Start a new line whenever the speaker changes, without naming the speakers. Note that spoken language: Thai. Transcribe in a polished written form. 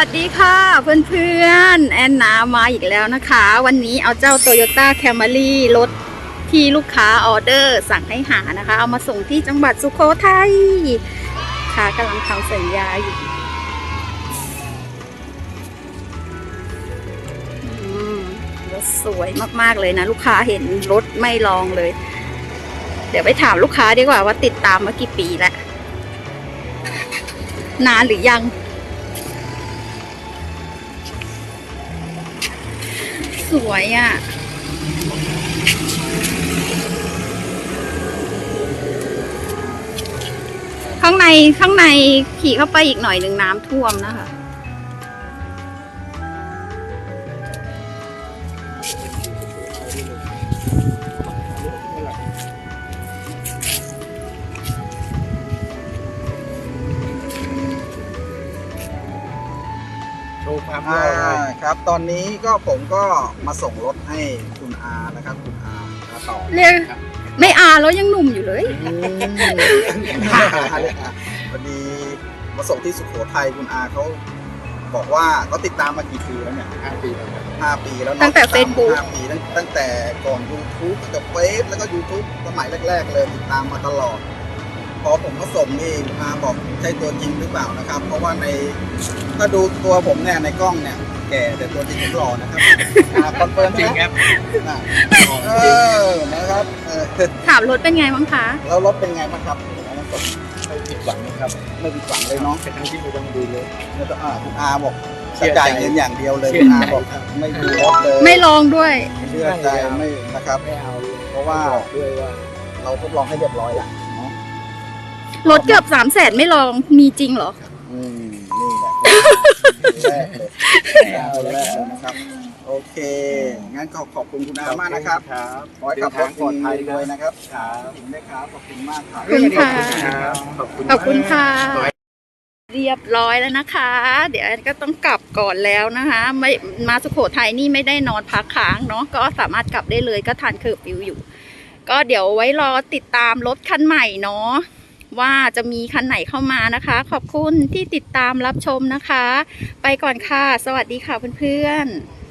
วัสดีค่ะเพื่อนๆแอนนามาอีกแล้วนะคะ วันนี้เอาเจ้า Toyota Camry รถที่ลูกค้าออเดอร์สั่งให้หานะคะ เอามาส่งที่จังหวัดสุโขทัยค่ะกำลังทำสัญญาอยู่รถสวยมากๆเลยนะลูกค้าเห็นรถไม่ลองเลย เดี๋ยวไปถามลูกค้าดีกว่าว่าติดตามมากี่ปีแล้วนานหรือยังสวยอ่ะข้างในขี่เข้าไปอีกหน่อยหนึ่งน้ำท่วมนะคะ
ครับตอนนี้ก็ผมก็มาส่งรถให้คุณอานะครับคุณอาต่อ
เรียกไม่อาแล้วยังหนุ่มอยู่เลย
พอดีมาส่งที่สุโขทัยคุณอาเขาบอกว่าเขาติดตามมากี่ปีแล้วเนี่ย5 ปีแล้ว5 ปีแล้วตั้
งแต่ Facebook
5 ปีตั้งแต่ก่อน YouTube ตั้งแต่เฟซแล้วก็ YouTube สมัยแรกๆเลยติดตามมาตลอดพอผมมาส่งนี่อาบอกใช่ตัวจริงหรือเปล่านะครับเพราะว่าถ้าดูตัวผมเนี่ยในกล้องเนี่ยแก่แต่ตัวจริงผมหล่อนะครับคอนเฟิร์มจริงครับนะครับ
ถามรถเป็นไงบ้างคะ
แล้วรถเป็นไงบ้างครับ
ไม่ผิดหวังนะครับ
ไม่ผิดหวังเลยเนาะ
เป็นทั้งที่ไม่ต้องดูเลย
แล้วก็คุณอาบอกจ่ายเงินอย่างเดียวเลยคุณอาบอกไม่ดูรถเลย
ไม่ลองด้วย
เชื่อใจไม่นะครับ
ไม่เอา
เพราะว่า
ด้วยว่า
เราทดลองให้เรียบร้อยแล้วเนาะ
รถเกือบ300,000ไม่ลองมีจริงเหรอ
นี่แหละแรกเลยนะครับโอเคงั้นก็ขอบคุณคุณอามากนะครับขอให้ขับรถปลอดภัยด้วยนะครับถึงได้ครับขอบคุณมากครับ
ขอบคุณค่ะขอบคุณค่ะ
เรี
ยบร้อยแล้วนะคะ เดี๋ยวก็ต้องกลับก่อนแล้วนะคะไม่มาสุโขทัยนี่ไม่ได้นอนพักค้างเนาะก็สามารถกลับได้เลยก็ทันเคอร์ฟิวอยู่ก็เดี๋ยวไว้รอติดตามรถคันใหม่เนาะว่าจะมีคันไหนเข้ามานะคะขอบคุณที่ติดตามรับชมนะคะไปก่อนค่ะสวัสดีค่ะเพื่อนๆ